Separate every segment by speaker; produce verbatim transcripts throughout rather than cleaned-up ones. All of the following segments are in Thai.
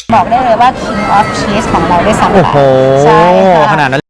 Speaker 1: บอกได้เลยว่า King of Cheese ของเราได้สำเร็จ
Speaker 2: โอ้โห
Speaker 1: ใช่ค่ะ
Speaker 2: ขนาดนั้น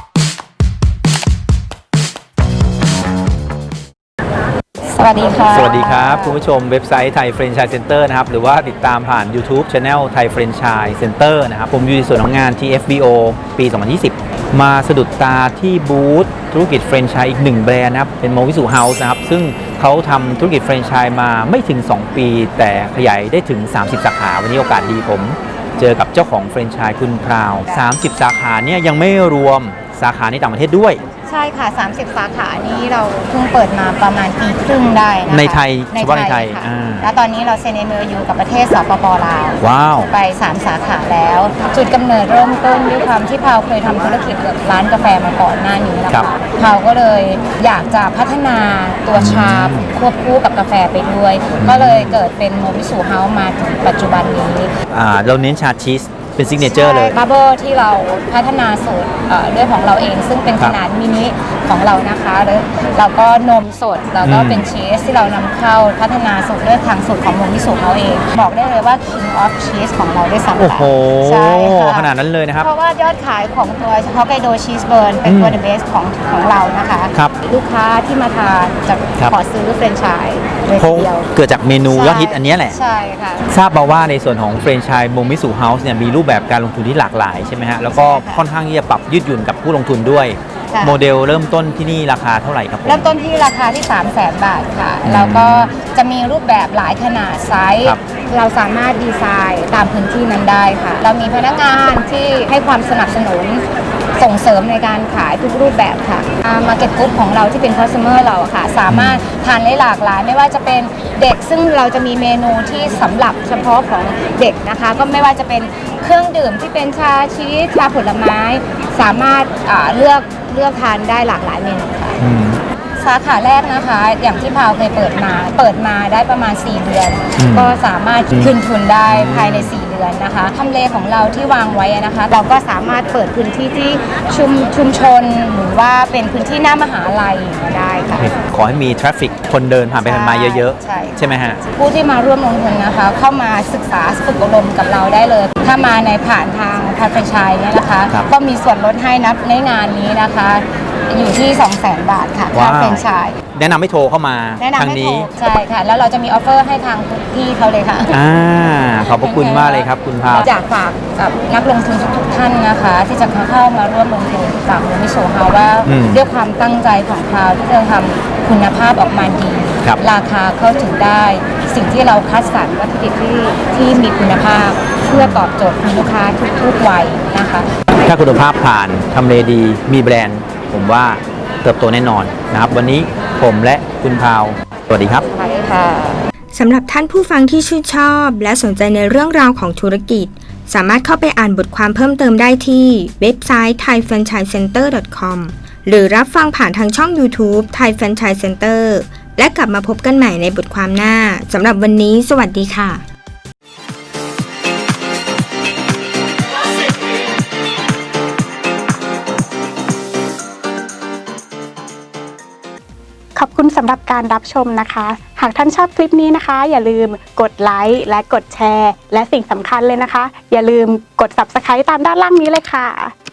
Speaker 1: สวัสดีค่ะ
Speaker 2: สวัสดีครับคุณผู้ชมเว็บไซต์ไทยแฟรนไชส์เซ็นเตอร์นะครับหรือว่าติดตามผ่าน YouTube Channel ไทยแฟรนไชส์เซ็นเตอร์นะครับผมอยู่ในส่วนของงาน ที เอฟ บี โอ ปี สองพันยี่สิบ มาสะดุดตาที่บูธธุรกิจแฟรนไชส์อีกหนึ่งแบรนด์นะครับเป็นโมวิสุเฮาส์นะครับซึ่งเขาทำธุรกิจแฟรนไชส์มาไม่ถึง สอง ปี แต่ขยายได้ถึง สามสิบ สาขาวันนี้โอกาสดีผมเจอกับเจ้าของแฟรนไชส์คุณพราว สามสิบ สาขาเนี่ยยังไม่รวมสาขาในต่างประเทศด้วย
Speaker 1: ใช่ค่ะสามสิบสาขานี้เราเพิ่งเปิดมาประมาณปีครึ่งได้นะคะ
Speaker 2: ในไทยเฉพาะในไทย
Speaker 1: ค่ะ
Speaker 2: อ่า
Speaker 1: แล้วตอนนี้เราเซ็น เอ็ม โอ ยู กับประเทศสปปลาว
Speaker 2: ว้าว
Speaker 1: ไปสามสาขาแล้ว จุดกำเนิดเริ่มต้นด้วยความที่พาวเคยทำธุรกิจกับร้านกาแฟมาก่อนหน้านี้นะ
Speaker 2: ครั
Speaker 1: คะ
Speaker 2: บ
Speaker 1: พาวก็เลยอยากจะพัฒนาตัวชาควบคู่กับกาแฟไปด้วย ก็เลยเกิดเป็นโมวิสุเฮาส์มาถึงปัจจุบันนี้
Speaker 2: อ่าเราเน้นชาชีสเป็นซิกเนเจอร์เลย
Speaker 1: บับเบิลที่เราพัฒนาสูตรเอ่อด้วยของเราเอง ซึ่งเป็น
Speaker 2: ครั
Speaker 1: ข
Speaker 2: บ
Speaker 1: นาดมินิของเรานะคะแล้วเราก็นมสดแล้วก็
Speaker 2: อืม
Speaker 1: เป็นชีสที่เรานำเข้าพัฒนาสูตรด้วยทางสูตรของโมมิสุเขาเอง บอกได้เลยว่า King of Cheese ของเราได้สำเร็
Speaker 2: โอ้
Speaker 1: จ
Speaker 2: โห
Speaker 1: ใช่ค่ะ
Speaker 2: ขนาดนั้นเลยนะครับ
Speaker 1: เพราะว่ายอดขายของตัวฮอกไกโดชีสเบิร์นเป็นตัว
Speaker 2: อืม
Speaker 1: the best ของของเรานะคะ
Speaker 2: ครับ
Speaker 1: ลูกค้าที่มาทานจะ
Speaker 2: ครับ
Speaker 1: ขอซื้อเฟรนไชส์เลย
Speaker 2: เพ
Speaker 1: ที
Speaker 2: ราะ
Speaker 1: เดียว
Speaker 2: เกิดจากเมนูยอดฮิตอันเนี้ยแหละ
Speaker 1: ใช่ค่ะ
Speaker 2: ทราบมาว่าในส่วนของแฟรนไชส์โมมิสุเฮาส์เนี่ยมีรูปแบบการลงทุนที่หลากหลายใช่ไหมฮะ แล้วก็
Speaker 1: ใช่ค่ะ
Speaker 2: ค่อนข้างที่จะปรับยืดหยุ่นกับผู้ลงทุนด้วย
Speaker 1: ค่ะ
Speaker 2: โมเดลเริ่มต้นที่นี่ราคาเท่าไหร่ครับผม
Speaker 1: เริ่มต้นที่ราคาที่ สามแสน บาทค่ะ แล้วก็จะมีรูปแบบหลายขนาดไซส์
Speaker 2: ครับ
Speaker 1: เราสามารถดีไซน์ตามพื้นที่นั้นได้ค่ะ เรามีพนักงานที่ให้ความสนับสนุนส่งเสริมในการขายทุกรูปแบบค่ะมาร์เก็ตกรุ๊ปของเราที่เป็นคอสเตอร์เราอะค่ะ สามารถทานได้หลากหลาย ไม่ว่าจะเป็นเด็กซึ่งเราจะมีเมนูที่สำหรับเฉพาะของเด็กนะคะ ก็ไม่ว่าจะเป็นเครื่องดื่มที่เป็นชาชีสชาผลไม้ สามารถอ่าเลือกเลือกทานได้หลากหลายเมนูค่ะ
Speaker 2: อืม
Speaker 1: สาขาแรกนะคะ อย่างที่พาวเคยเปิดมา เปิดมาได้ประมาณ สี่ เดือน
Speaker 2: อืม
Speaker 1: ก็สามารถคืนทุนได้ภายใน สี่ เดือนนะคะทำเลของเราที่วางไว้นะคะ เราก็สามารถเปิดพื้นที่ที่ชุมชุมชนหรือว่าเป็นพื้นที่หน้ามหาลัยได้ค่ะ
Speaker 2: ขอให้มีทราฟฟิกคนเดินผ่านไปผ่านมาเยอะ
Speaker 1: ใช่
Speaker 2: ๆ ใช่ไหมฮะ
Speaker 1: ผู้ที่มาร่วมลงทุนนะคะ เข้ามาศึกษาฝึกอบรมกับเราได้เลย ถ้ามาในผ่านทางทางแฟรนไชส์เนี่ยนะคะ
Speaker 2: ครับ
Speaker 1: ก็มีส่วนลดให้นับในงานนี้นะคะ อยู่ที่ สองแสน บาทค่ะค่า
Speaker 2: ว้าว
Speaker 1: แฟรนไชส์
Speaker 2: แนะนำให้โทรเข้ามา
Speaker 1: แนะนำ
Speaker 2: ทาง
Speaker 1: ให้โทร
Speaker 2: นี้
Speaker 1: ใช่ค่ะ แล้วเราจะมีออฟเฟอร์ให้ทางทุกที่เขาเลยค่ะ
Speaker 2: อ่าขอบพระคุณมากเลยครับคุณพาว
Speaker 1: อยากฝากกับนักลงทุนทุกๆท่านนะคะ ที่จะเข้ามาร่วมลงทุนกับโมมิโซเฮาว่า
Speaker 2: อืม
Speaker 1: ด้วยความตั้งใจของพาวที่จะทำคุณภาพออกมาดี
Speaker 2: ครับ
Speaker 1: ราคาเข้าถึงได้ สิ่งที่เราคัดสรรวัตถุดิบที่ที่มีคุณภาพ เพื่อตอบโจทย์คุณลูกค้าทุกๆวัยนะคะ
Speaker 2: ถ้าคุณภาพผ่านทำเลดีมีแบรนด์ ผมว่าเติบโตแน่นอนนะครับ วันนี้ผมและคุณพาว สวัสดีครับ
Speaker 1: ใช่ค่ะ
Speaker 3: สำหรับท่านผู้ฟังที่ชื่นชอบและสนใจในเรื่องราวของธุรกิจ สามารถเข้าไปอ่านบทความเพิ่มเติมได้ที่เว็บไซต์ ไทยแฟรนไชส์เซ็นเตอร์ ดอท คอม หรือรับฟังผ่านทางช่อง YouTube Thai Franchise Center และกลับมาพบกันใหม่ในบทความหน้าสำหรับวันนี้สวัสดีค่ะ
Speaker 4: ขอบคุณสำหรับการรับชมนะคะ หากท่านชอบคลิปนี้นะคะ อย่าลืมกดไลค์และกดแชร์ และสิ่งสำคัญเลยนะคะ อย่าลืมกด ซับสไครบ์ ตามด้านล่างนี้เลยค่ะ